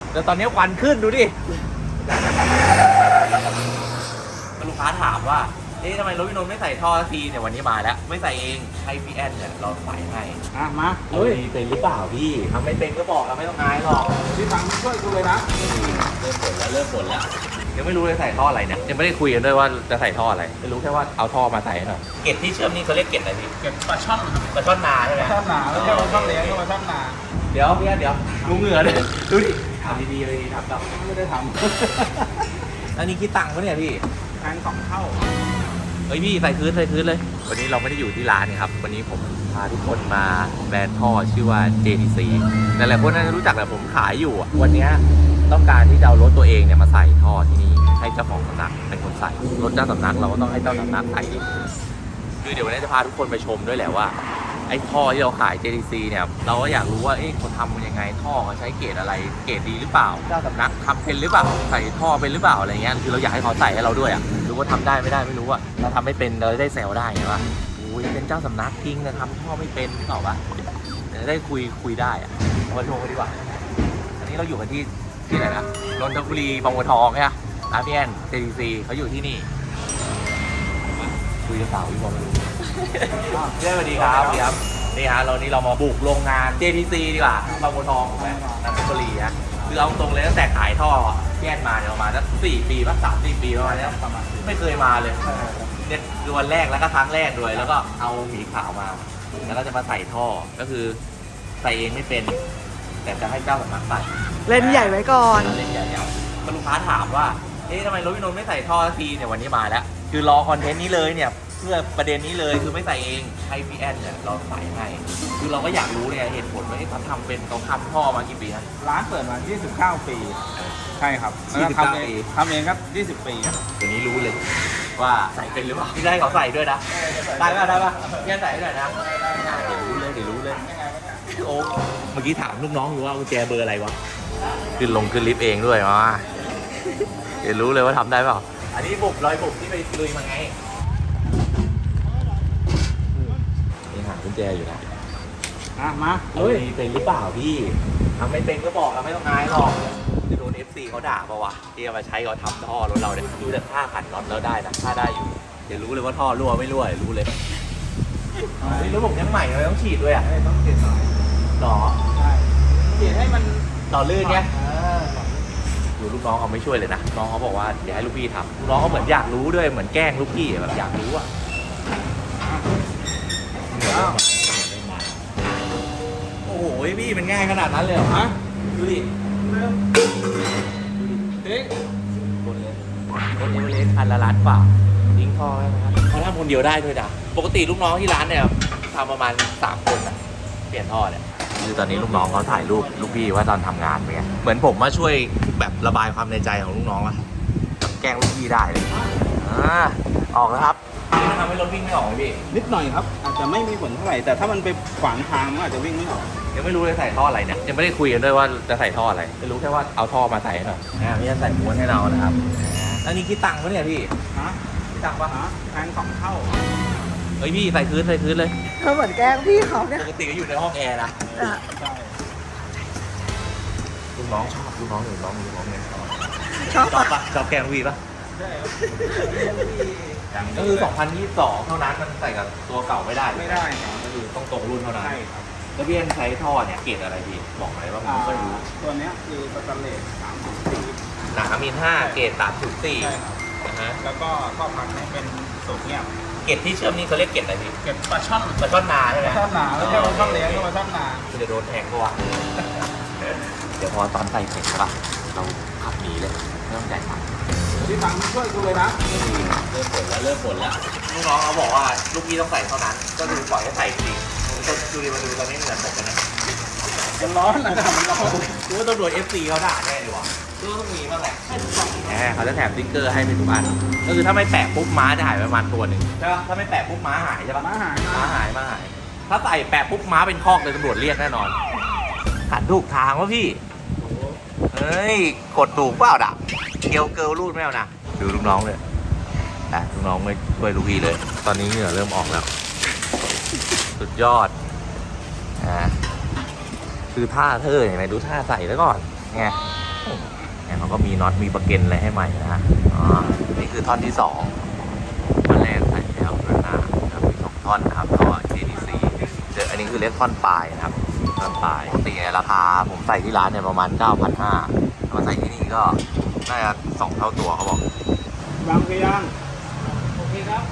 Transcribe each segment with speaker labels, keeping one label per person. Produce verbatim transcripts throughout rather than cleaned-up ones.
Speaker 1: แต่ตอนนี้ควันขึ้นดูดิลูกค้าถามว่าเอ๊ะทำไมรถพี่นนท์ไม่ใส่ท่อทีเนี่ยวันนี้มาแล้วไม่ใส่เองให้พี่แอนเนี่ยเราใส่ให้
Speaker 2: อ่ะมา
Speaker 1: เฮ้ยเป็นหรือเปล่าพี่ทำไม่เป็นก็บอกเราไม่ต้องอายหรอก
Speaker 2: พี่ฟังช่วยกูเลยนะ
Speaker 1: เริ่มบ่นแล้วเริ่มบ่นแล้วยังไม่รู้เลยใส่ท่ออะไรเนี่ยยังไม่ได้คุยกันด้วยว่าจะใส่ท่ออะไรไม่รู้แค่ว่าเอาท่อมาใส่หน่อยเกล็ดที่เชื่อมนี่เขาเรียกเกล็ดอะไรพี่
Speaker 2: เก็บปลาช่อน
Speaker 1: ปลาช่อนนาใช่ไหม
Speaker 2: ปลาช่อนนาแล้วก็ปลาช่อนเลี้ยงก็ปลาช่อนนา
Speaker 1: เดี๋ยวพี่เดี๋ยวดูเหงื่อเลยดูดิทำดีๆเลยทำแบบ
Speaker 2: ไม่ได้ท
Speaker 1: ำอันนี้คิดตังค์ปะเนี่ยพี่
Speaker 2: แพงสองเท่า
Speaker 1: เฮ้ยพี่ใส่คืนใส่คืนเลยวันนี้เราไม่ได้อยู่ที่ร้านครับวันนี้ผมพาทุกคนมาแบรนด์ท่อชื่อว่า เจ ที ซี หลายๆคนน่าจะรู้จักแหละผมขายอยู่วันนี้ต้องการที่จะเอารถตัวเองเนี่ยมาใส่ท่อที่นี่ให้เจ้าของสำนักเป็นคนใส่รถเจ้าสำนักเราก็ต้องให้เจ้าสำนักใส่เองคือเดี๋ยววันนี้จะพาทุกคนไปชมด้วยแหละว่าไอ้ท่อที่เราขาย เจ ที ซี เนี่ยเราก็อยากรู้ว่าเอ๊ะคนทำมันยังไงท่อเขาใช้เกรดอะไรเกรดดีหรือเปล่าเจ้าสำนักทำเป็นหรือเปล่าใส่ท่อเป็นหรือเปล่าอะไรเงี้ยคือเราอยากให้เขาใส่ให้เราด้วยอ่ะรู้ว่าทำได้ไม่ได้ไม่รู้อ่ะเราทำไม่เป็นเราได้แซวได้ไงว่าโอ้ยเป็นเจ้าสำนักจริงนะทำท่อไม่เป็นเปล่าวะจะได้คุยคุยได้อ่ะมาชมกันดีกว่าอันนี้เราอยู่กันที่ที่ไหนนะนนทบุรีบางบัวทองใช่ไหมร้านพี่แอน เจ ที ซี เขาอยู่ที่นี่คุยกับสาวพี่บอลมาดูเรื่องสวัสดีครับพี่ครับนี่ฮะเรานี่เรามาบุกโรงงาน เจ ที ซี ดีกว่าบางบัวทองถูกไหมนนทบุรีฮะคือเอาตรงเลยตั้งแต่ขายท่อพี่แอนมาเนี่ยประมาณสักสี่ปีป่ะสามสี่ปีประมาณนี้ไม่เคยมาเลยเนี่ยคือวันแรกแล้วก็ครั้งแรกด้วยแล้วก็เอาหมีขาวมาแล้วก็จะมาใส่ท่อก็คือใส่เองไม่เป็นแต่จะให้เจ้าสำนักใส่
Speaker 3: เล่นใหญ่ไว้ก่อน
Speaker 1: เล่นใหญ่เอาลูกค้าถามว่าเอ๊ะทำไมรถพี่นนท์ไม่ใส่ท่อทีเนี่ยวันนี้มาแล้วคือรอคอนเทนต์นี้เลยเนี่ยเพื่อประเด็นนี้เลยคือไม่ใส่เองให้พี่แอนเนี่ยเราใส่ให้คือเราก็อยากรู้เนี่ยเหตุผลว่าเขาทำเป็นเขาทำท่อมากี่ปีนะ
Speaker 2: ร้านเปิดมายี่สิบเก้าปีใช่ครับแล้วทำเองทำเองครับยี่สิบปี
Speaker 1: ตัวนี้รู้เลยว่าใส่เป็นหรือเปล่าพี่ได้เขาใส่ด้วยนะได้ป่ะได้ป่ะพี่ใส่ด้วยนะเดี๋ยวรู้เลยเดี๋ยวรู้เลยโอ้เมื่อกี้ถามลูกน้องอยู่ว่ากุญแจเบอร์อะไรวะขึ้นลงขึ้นลิฟต์เองด้วยมาเดี๋ยวรู้เลยว่าทำได้เปล่าอันนี้บุกรอยบุกที่ไปลุยมาไงนี่หากุญแจอยู่นะ
Speaker 2: อ่ะมา
Speaker 1: เฮ้ยเป็นหรือเปล่าพี่ทำไม่เป็นก็บอกเราไม่ต้องอายหรอกจะโดน เอฟ ซี เขาด่าป่าวะที่เอามาใช้เขาทำท่อรถเราเนี่ยดูแต่ท่าขันน็อตแล้วได้นะท่าได้อยู่เดี๋ยวรู้เลยว่าท่อรั่วไม่รั่วรู้เลยนี่รถผมยังใหม่เลยต้องฉีดด้วยอ่ะ
Speaker 2: ต้องฉีดหน่อย
Speaker 1: หรอ
Speaker 2: ใช่ฉีดให้มัน
Speaker 1: ต่อลื่นไงดูลูกน้องเขาไม่ช่วยเลยนะน้องเขาบอกว่าเดี๋ยวให้ลูกพี่ทำลูกน้องเขาเหมือนอยากรู้ด้วยเหมือนแกล้งลูกพี่แบบอยากรู้อ่ะโอ้โหพี่มันง่ายขนาดนั้นเลยเหรอฮะดูดิดูดิคนเลยคนเอเวอเรสต์พันละล้านกว่าทิ้งท่อไว้นะครับเขาทำคนเดียวได้ด้วยนะปกติลูกน้องที่ร้านเนี่ยทำประมาณสามคนนะเปลี่ยนท่อเนี่ยคือตอนนี้ลูกน้องเขาถ่ายรูปลูกพี่ว่าตอนทำงานเป็นไงเหมือนผมมาช่วยแบบระบายความในใจของลูกน้องอะแกล้งลูกพี่ได้เลยอ่าออกแล้วครับมันทำให้รถวิ่งไม่ออกพี่
Speaker 2: นิดหน่อยครับอาจจะไม่มีผลเท่าไหร่แต่ถ้ามันไปขวางทางมันอาจจะวิ่งไม่ออก
Speaker 1: ยังไม่รู้เลยใส่ท่ออะไรเนี่ยยังไม่ได้คุยกันด้วยว่าจะใส่ท่ออะไรไม่รู้แค่ว่าเอาท่อมาใส่หน่อยอ่าพี่จะใส่ม้วนให้เรานะครับอันนี้คิดตังค์ปะเนี่ยพี่
Speaker 2: ฮะ
Speaker 1: คิดตังค์ปะ
Speaker 2: ฮะแพงสองเท่า
Speaker 1: เฮ้ยพี่ใส่คืนใส่คืนเลย
Speaker 3: เธอเหมือนแกล้งพี่เขาเนี่ย
Speaker 1: ปกติก็อยู่ในห้องแอร์นะ
Speaker 2: ใช่
Speaker 1: ลูกน้องชอบลูกน้องลูกน้องลูกน้องเนี่ย
Speaker 3: ชอบ
Speaker 1: ปะชอบแกงวีปะ
Speaker 2: ใช่
Speaker 1: ก็คือสองพันยี่สิบสองเท่านั้นมันใส่กับตัวเก่าไม่ได้
Speaker 2: ไม่ได้
Speaker 1: ก็คือต้องตรงรุ่นเท่านั้น
Speaker 2: ใช่ครับ
Speaker 1: แล้วพี่เอ็นใช้ท่อเนี่ยเกรดอะไรพี่บอกหน่อยว่าผมไม่เคยรู้
Speaker 2: ตัวนี้คือสแตนเลสสามสิบสี่
Speaker 1: หนามิลห้าเกรดสามสิบสี่นะฮะ
Speaker 2: แล้วก็ท่อพักเนี่ยเป็นโซเดียม
Speaker 1: เกรดที่เชื่อมนี่เขาเรียกเกรดอะไรพี่
Speaker 2: เกรดปลาช่อน
Speaker 1: ปลาช่อนนาใช่ไหม
Speaker 2: ปลาช่อนนาแล้วก็ปลาช่อนเลี้ยงก็ปลาช่อนนา
Speaker 1: คือจะโดนแทงตัวเดี๋ยวพอตอนใส่เสร็จป่ะเราขับหนีเลยไม่ต้องจ่ายตังค์
Speaker 2: พี่ฟังช่วยกูเลยนะ
Speaker 1: เริ่มบ่นแล้วเริ่มบ่นแล้วลูกน้องเขาบอกว่าลูกพี่ต้องใส่เท่านั้นก็ดูปล่อยให้ใส่จริงดูดิมาดูตอนนี้เหมือนผมกันนะ
Speaker 2: มันร้อนนะมันร้อน
Speaker 1: ดูว่าตำรวจ เอฟ ซี เขาด่าแน่ดีว่ะดูต้องมีบ้างแหละแหมเขาจะแถมสติ๊กเกอร์ให้เป็นทุกอันก็คือถ้าไม่แปะปุ๊บม้าจะหายประมาณตัวหนึ่งใช่ป่ะถ้าไม่แปะปุ๊บม้าหายใช่ป่ะ
Speaker 2: ม้าหาย
Speaker 1: ม้าหายม้าหายถ้าใส่แปะปุ๊บม้าเป็นคอกเลยตำรวจเรียกแน่นอนหันถูกทางวะพี่เฮ้ยกดถูกเปล่าด่ะเกลเกิลรูดไม่เอานะดูลูกน้องเลยนะลูกน้องไม่ช่วยลูกพี่เลยตอนนี้เหงื่อเริ่มออกแล้วสุดยอดอ่าคือท่าเธอเห็นไหมดูท่าใส่แล้วก่อนไงเนี่ยเขาก็มีน็อตมีประเก็นอะไรให้ใหม่นะฮะอ๋อนี่คือท่อนที่สองท่อนแรกใส่แล้วด้านหน้านะครับมีสองท่อนนะครับก็ เจ ดี ซี เดี๋ยวอันนี้คือเรียกท่อนปลายนะครับท่อนปลายปกติราคาผมใส่ที่ร้านเนี่ยประมาณ เก้าพันห้าร้อย มาใส่ที่นี่ก็น่าจะสองเท่าตัวเขาบอก
Speaker 2: วางไปยังโอเคครับ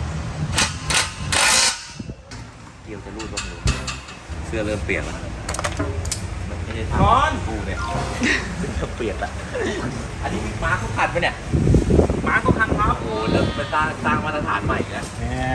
Speaker 1: เกี่ยวจะรูดบ้างหรือเสื้อเริ่มเปลี่ยนแล้วมันไม่ได้ท
Speaker 2: ร้อน
Speaker 1: ำกูเนี่ยเสื้อเปลี่ยนละอันนี้มาร์คเขาขัดไปเนี่ย
Speaker 2: มาก็คันครับ
Speaker 1: โอ้เริ่มเป็นสร้างสร้างมาตรฐานใหม่แล้ว
Speaker 2: แน่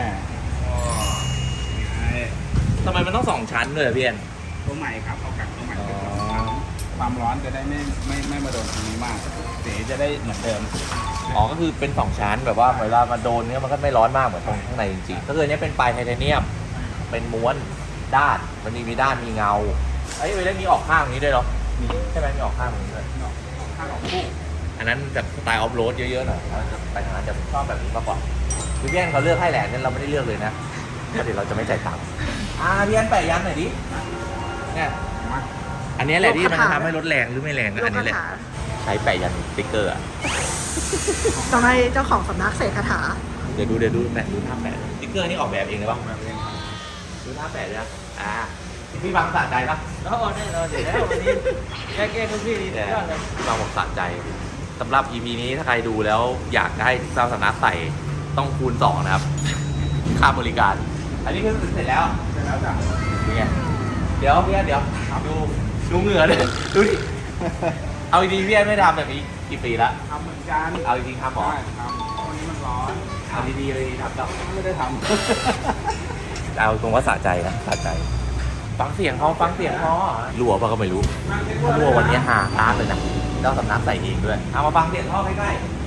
Speaker 1: ทำไมมันต้องสองชั้นเลยอะพี่เอ็น
Speaker 2: ตัวใหม่ครับเอากัดตัวใหม่เป็นสองชั้นความร้อนจะได้ไม่ไม่ไม่มาโดนตรงนี้มากสีจะได้เหมือนเดิม
Speaker 1: อ๋อก็คือเป็นสองชั้นแบบว่าเวลามาโดนเนี่ยมันก็ไม่ร้อนมากเหมือนตรงข้างในจริงๆก็คืออันนี้เป็นปลายไทเทเนียมเป็นม้วนด้านมันมีมีด้านมีเงาไอ้ยเวลามีออกข้างอย่างนี้ด้วยเหรอ
Speaker 2: มี
Speaker 1: ใช่ไหมมีออกข้างอย่างนี้ด้วย
Speaker 2: ข้างออกคู่
Speaker 1: อันนั้นแบบสไตล์ออฟโรดเยอะๆหน่อยเราจะไปทางนั้นจะชอบแบบนี้มากกว่าคือพี่แอนเขาเลือกให้แหละเนี่ยเราไม่ได้เลือกเลยนะเพราะเดี๋ยวเราจะไม่จ่ายตังค์อ่าพี่แอนแปะยันหน่อยดิเนี่ย
Speaker 2: มา
Speaker 1: อันนี้แหละที่มันทำให้รถแรงหรือไม่แรงก็
Speaker 3: ลู
Speaker 1: อั
Speaker 3: ก
Speaker 1: น
Speaker 3: คา
Speaker 1: นี้แหละ
Speaker 3: ถา
Speaker 1: ใช้แปะยันสติ๊กเกอร์อะ
Speaker 3: ต้องให้เจ้าของสำนักเสกคาถา
Speaker 1: เดี๋ยวดูเดี๋ยวดูแปะดูท่าแปะสติ๊กเกอร์นี่ออกแบบเองเลยปะ
Speaker 2: แบบนี้ครับ
Speaker 1: ดูท่าแปะเลยนะอ่าพี่บางสะใจปะ
Speaker 4: แล้วแน่นอนเดี๋ยวแล้ววันนี้แก้แก้ทุกที่ดี
Speaker 1: แต่
Speaker 4: ยอดเลย
Speaker 1: พี่บางบอกสะใจสำหรับ อี พี นี้ถ้าใครดูแล้วอยากให้เจ้าสำนักใส่ต้องคูณสองนะครับค่าบริการ อันนี้คือเสร็จแล้ว
Speaker 2: เสร็จแล้วจ้ะ
Speaker 1: เป็นไงเดี๋ยวพี่แอนเดี๋ยวดูดูเหงื่อเลยดูดิเอาดีๆพี่แอนไม่ทำแบบนี้กี่ปีละ
Speaker 2: ทำเหมือนกัน
Speaker 1: เอาจริงๆทำหรอ
Speaker 2: ใช่ทำเพราะวันนี้มันร้อน
Speaker 1: เอาดีๆเลยทำกับ
Speaker 2: ไม่ได้ท
Speaker 1: เอาตรงว่าสะใจนะสะใจ ฟังเสียงเขาฟังเสียงเขารั่วป่ะก็ไม่รู้
Speaker 2: ำ
Speaker 1: ถ้ารั่ววันนี้หาตาเลยนะเจ้าสำนักใส่เองด้วยเอามาฟังเสียงท่อใกล้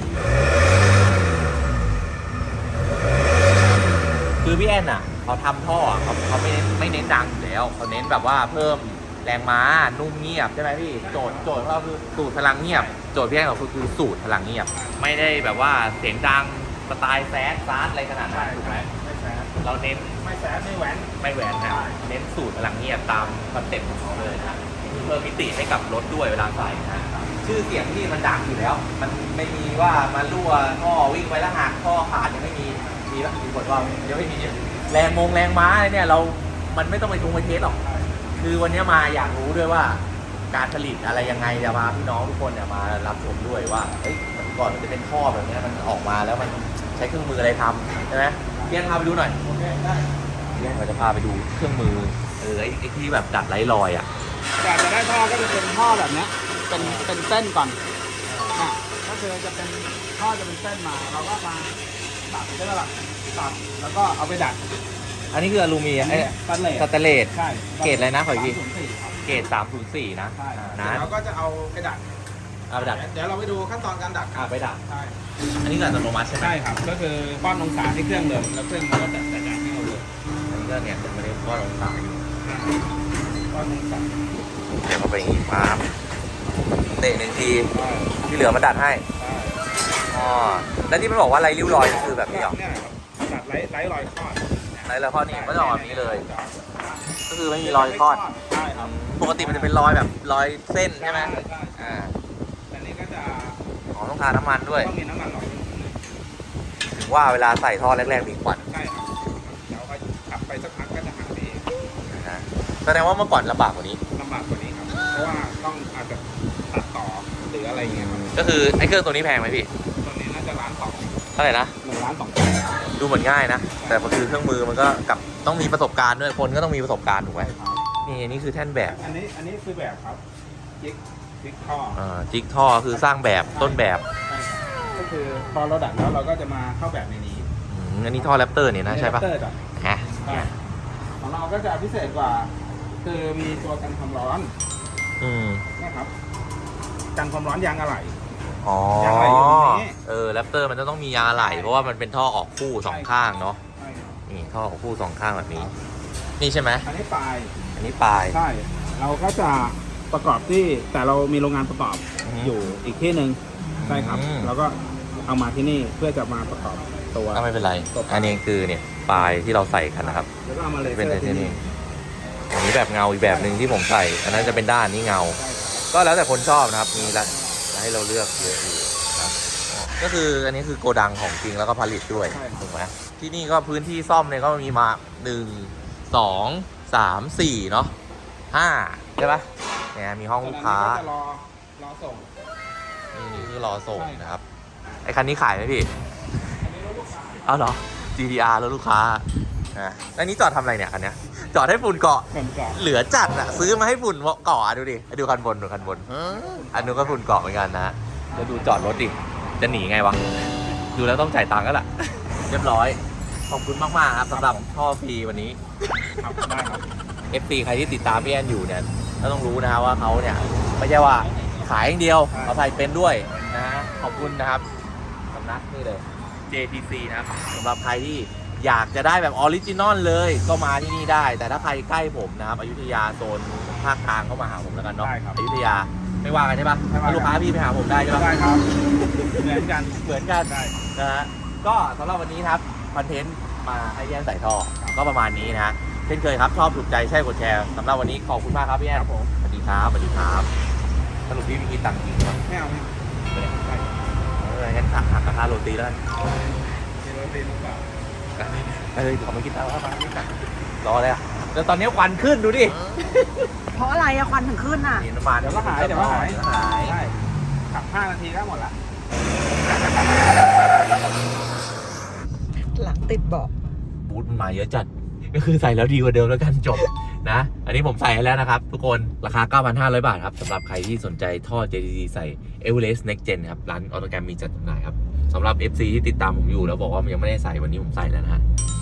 Speaker 1: ๆคือพี่แอนอ่ะเขาทำท่อเขาเขาไม่เน้นไม่เน้นดังอยู่แล้วเขาเน้นแบบว่าเพิ่มแรงม้านุ่มเงียบใช่ไหมพี่โจทย์โจทย์ของเราคือสูตรพลังเงียบโจทย์พี่แอนของเราคือสูตรพลังเงียบ ไม่ได้แบบว่าเสียงดังสไตล์แซดซาร์ดอะไรขนาดนั้นถูกไหม
Speaker 2: ไม่แซด
Speaker 1: เราเน้น
Speaker 2: ไม่แซดไม่แหวน
Speaker 1: ไม่แหวนนะเน้นสูตรพลังเงียบตามคอนเซ็ปต์ของเขาเลยนะเพิ่มมิติให้กับรถด้วยเวลาใส่นะชื่อเสียงที่มันดังอยู่แล้ว มันไม่มีว่ามารั่วท่อวิ่งไปแล้วหักท่อขาดยังไม่มีมีปะมีบทว่าเดี๋ยวไม่มีแรงมงแรงม้าอะไรเนี่ยเรา มันไม่ต้องไปทุงไปเทสหรอก คือวันนี้มาอยากรู้ด้วยว่า การผลิตอะไรยังไงจะมาพี่น้องทุกคนเนี่ยมารับชมด้วยว่าเฮ้ยมันก่อนมันจะเป็นท่อแบบนี้มันออกมาแล้วมันใช้เครื่องมืออะไรทำใช่ไหมเพี่อนพาไปดูหน่อย
Speaker 2: โอเคได้
Speaker 1: เพี่อนเราจะพาไปดูเครื่องมือเออไอ้ไอ้ที่แบบดัดไร้รอยอ่ะ
Speaker 2: แต่จะได้ท่อก็จะเป็นท่อแบบเนี้ยเป็นเป็นเส้นก่อนอ่ะก็คือจะเป็นท่อจะเป็นเส้นมาเราก็มาตัดใช่ไหมล่ะตัดแล้วก็เอาไปดัด
Speaker 1: อันนี้คืออลูมิเนียมไอ้
Speaker 2: สแตนเลส
Speaker 1: สแตนเลส
Speaker 2: ใช่
Speaker 1: เกรดอะไรนะขออีกที
Speaker 2: สามศูนย์สี่ครับ
Speaker 1: เกรดสามศูนย์สี่นะ
Speaker 2: ใช่
Speaker 1: นะ
Speaker 2: เดี๋ยวเราก็จะเอาไปดัด
Speaker 1: เอาไปดัด
Speaker 2: เดี๋ยวเราไปดูขั้นตอนการดัด
Speaker 1: อ่าไปดัด
Speaker 2: ใช่
Speaker 1: อันนี้คืออัตโนมัติใช่ไหม
Speaker 2: ใช่ครับก็คือป้อนองศาที่เครื่องเลยแล้วเครื่องมันก็จะจัดการให้เราเลย
Speaker 1: อันนี้ก็เนี่ยไม่ได้ก็ลงตาอยู่
Speaker 2: ป้อนองศา
Speaker 1: เดี๋ยวมาไปอย่างงี้ปั๊บเตะหนึ่งที
Speaker 2: ใช่
Speaker 1: ที่เหลือมาดัดให้
Speaker 2: ใช่
Speaker 1: อ๋อแล้วที่มันบอกว่าไรริ้วรอยก็คือแบบนี้เหรอ
Speaker 2: เนี่ยครับดัดไร้ไร้รอยคลอด
Speaker 1: ไรแล้วข้อนี้ก็จะออกแบบนี้เลย ก็คือไม่มีรอยคลอด
Speaker 2: ใช่ครับ
Speaker 1: ปกติมันจะเป็นรอยแบบรอยเส้นใช่ไหม
Speaker 2: ใช่ใช่
Speaker 1: อ่า
Speaker 2: แต่นี้ก็จะ
Speaker 1: อ๋อต้องทาน้ำมันด้วย
Speaker 2: ต้องมีน้ำมันหน่อยนึง
Speaker 1: ถึงว่าเวลาใส่ท่อแรกๆมีควัน
Speaker 2: ใช่ครับเดี๋ยวก็ขับไปสักพักก็จะหายไปเอง
Speaker 1: นะฮะแสดงว่าเมื่อก่อนลำบากกว่านี้
Speaker 2: ลำบากกว่านี้ครับ เพราะว่าต้องอาจจะตัดต่อหรืออะไรเงี้ยครับ
Speaker 1: ก็คือไอ้เครื่องตัวนี้แพงไหมพี่
Speaker 2: ตอนนี้น่าจะล้านสอง
Speaker 1: เท่าไหร่นะ
Speaker 2: หนึ่งล้านสอง
Speaker 1: ดูเหมือนง่ายนะ แต่มันคือเครื่องมือมันก็กับต้องมีประสบการณ์ด้วย คนก็ต้องมีประสบการณ์ถูกไหม
Speaker 2: ครับ
Speaker 1: นี่อันนี้คือแท่นแบบ
Speaker 2: อันนี้อันนี้คือแบบครับจิ๊กจิ๊กท่อ
Speaker 1: อ่าจิ๊กท่อคือสร้างแบบต้นแบบ
Speaker 2: ใช่ครับก็คือพอเราดัดแล้วเราก็จะมาเข้าแบบในนี้
Speaker 1: อืมอันนี้ท่อแรปเตอร์เนี่ยนะใช่ปะ
Speaker 2: เตอร์จ้ะ
Speaker 1: ฮะ
Speaker 2: ใช่ของเราก็จะพิเศษกว่า คือมีตัวกันความร้อน
Speaker 1: อืม
Speaker 2: นะครับกันความร้อนยางอะไหล่
Speaker 1: อ๋อย
Speaker 2: างอะไรอยู่ตรงนี้
Speaker 1: เออแรปเตอร์มันจะต้องมียางอะไหล่เพราะว่ามันเป็นท่อออกคู่สองข้างเนาะ
Speaker 2: ใช่ครับ
Speaker 1: นี่ท่อออกคู่สองข้างแบบนี้ นี่ใช่ไหม
Speaker 2: อันนี้ปลาย
Speaker 1: อันนี้ปลาย
Speaker 2: ใช่ เราก็จะประกอบที่แต่เรามีโรงงานประกอบ
Speaker 1: อือฮึ
Speaker 2: อยู่อีกที่หนึ่งใช่ครับ
Speaker 1: อืม
Speaker 2: แล้วก็เอามาที่นี่เพื่อจะมาประกอบตัว
Speaker 1: ก็ไม่เป็นไร
Speaker 2: ตัวปลาย
Speaker 1: อันนี้คือเนี่ยปลายที่เราใส่กันนะครับ
Speaker 2: แล้วก็เอามาเลเซ
Speaker 1: เป็น
Speaker 2: อ
Speaker 1: ไท
Speaker 2: ร์
Speaker 1: เท
Speaker 2: ที่
Speaker 1: เนี
Speaker 2: นี่
Speaker 1: ยมอันนี้แบบเงาอีกแบบหนึ่งที่ผมใส่ อันนั้นจะเป็นด้านนี้เงา
Speaker 2: ใช่ครับ
Speaker 1: ก็แล้วแต่คนชอบนะครับ มีหลายให้เราเลือกเยอะอยู่ครับอ๋อก็คืออันนี้คือโกดังของจริงแล้วก็ผลิตด้วย
Speaker 2: ใช่
Speaker 1: ถูกไหมที่นี่ก็พื้นที่ซ่อมเนี่ยก็มีมาหนึ่งสองสามสี่เนาะห้าใช่ปะเนี่ยมีห้องลูกค้า
Speaker 2: ตอนนั้นก็จะรอรอส่ง
Speaker 1: นี่คือรอส่ง
Speaker 2: ใช่
Speaker 1: นะครับไอคันนี้ขายไหมพี่
Speaker 2: อันนี้รถลูกค้า
Speaker 1: เอาเหรอ จี ที อาร์ แล้วลูกค้านะอันนี้จอดทำอะไรเนี่ยคันเนี้ยจอดให้ฝุ่นเกาะ
Speaker 2: เหมือนกับ
Speaker 1: เหลือจัดอะซื้อมาให้ฝุ่นเกาะอะดูดิดูคันบนดูคันบนอันนู้นก็ฝุ่นเกาะเหมือนกันนะแล้วดูจอดรถดิจะหนีไงวะดูแล้วต้องจ่ายตังค์ก็แหละ เรียบร้อยขอบคุณมากๆครับสำหรับท่อฟรีวันนี้
Speaker 2: ครับได้ครับ
Speaker 1: เอฟ ซี ใครที่ติดตามพี่แอนอยู่เนี่ยก็ต้องรู้นะครับว่าเขาเนี่ยไม่ใช่ว่าขายอย่างเดียวเขาใส่เป็นด้วยนะฮะขอบคุณนะครับสำนักนี่เลย เจ ที ซี นะครับสำหรับใครที่อยากจะได้แบบออริจินอลเลยก็มาที่นี่ได้ แต่ถ้าใครใกล้ผมนะครับอยุธยาโซนภาคกลางก็มาหาผมแล้วกันเนาะ
Speaker 2: ได้ครับ
Speaker 1: อยุธยาไม่ว่ากันใช่ปะ
Speaker 2: ไม่ว่ากัน
Speaker 1: ลูกค้าพี่ไปหาผมได้ใช่ปะ
Speaker 2: ได้ครับ เหมือนกัน
Speaker 1: เหมือนกัน
Speaker 2: ได้
Speaker 1: นะฮะก็สำหรับวันนี้ครับคอนเทนต์มาให้พี่แอนใส่ท่อก็ประมาณนี้นะฮะเช่นเคยครับชอบถูกใจใช่กดแชร์สำหรับวันนี้ขอบคุณมากครับพี่แอน
Speaker 2: ครับผม
Speaker 1: สวัสดีครับสวัสดีครับสรุปพี่มีคิดตังค์จริงไหม
Speaker 2: ไม่เอาไม่เอา
Speaker 1: ไม่ได้
Speaker 2: ได้
Speaker 1: เอองั้นหักหักราคาโรตีแล้วกัน
Speaker 2: มีรถตีนหรือเปล่า
Speaker 1: เอ้ยขอมากินตังค์แล้วมาไม่ตังค์รอเลยอ่ะแล้วตอนนี้ควันขึ้นดูดิ
Speaker 3: เพราะอะไรอะควันถึงขึ้นอะ
Speaker 1: นี่น้ำมัน
Speaker 2: เดี๋ยวก็หายเดี๋ยวก็หาย
Speaker 1: เดี๋ยวก็หาย
Speaker 2: ใช่ขับห้านาทีก็หมดละ
Speaker 3: หลังติดเบาะ
Speaker 1: บูทมันมาเยอะจัดก็คือใส่แล้วดีกว่าเดิมแล้วกันจบนะ อันนี้ผมใส่ให้แล้วนะครับ ทุกคนราคา เก้าพันห้าร้อย บาทครับสำหรับใครที่สนใจท่อ เจ ที ซี ใส่ Everest Next Gen ครับร้านออโตแกรมมีจัดจำหน่ายครับสำหรับ เอฟ ซี ที่ติดตามผมอยู่แล้วบอกว่ามันยังไม่ได้ใส่วันนี้ผมใส่แล้วนะฮะ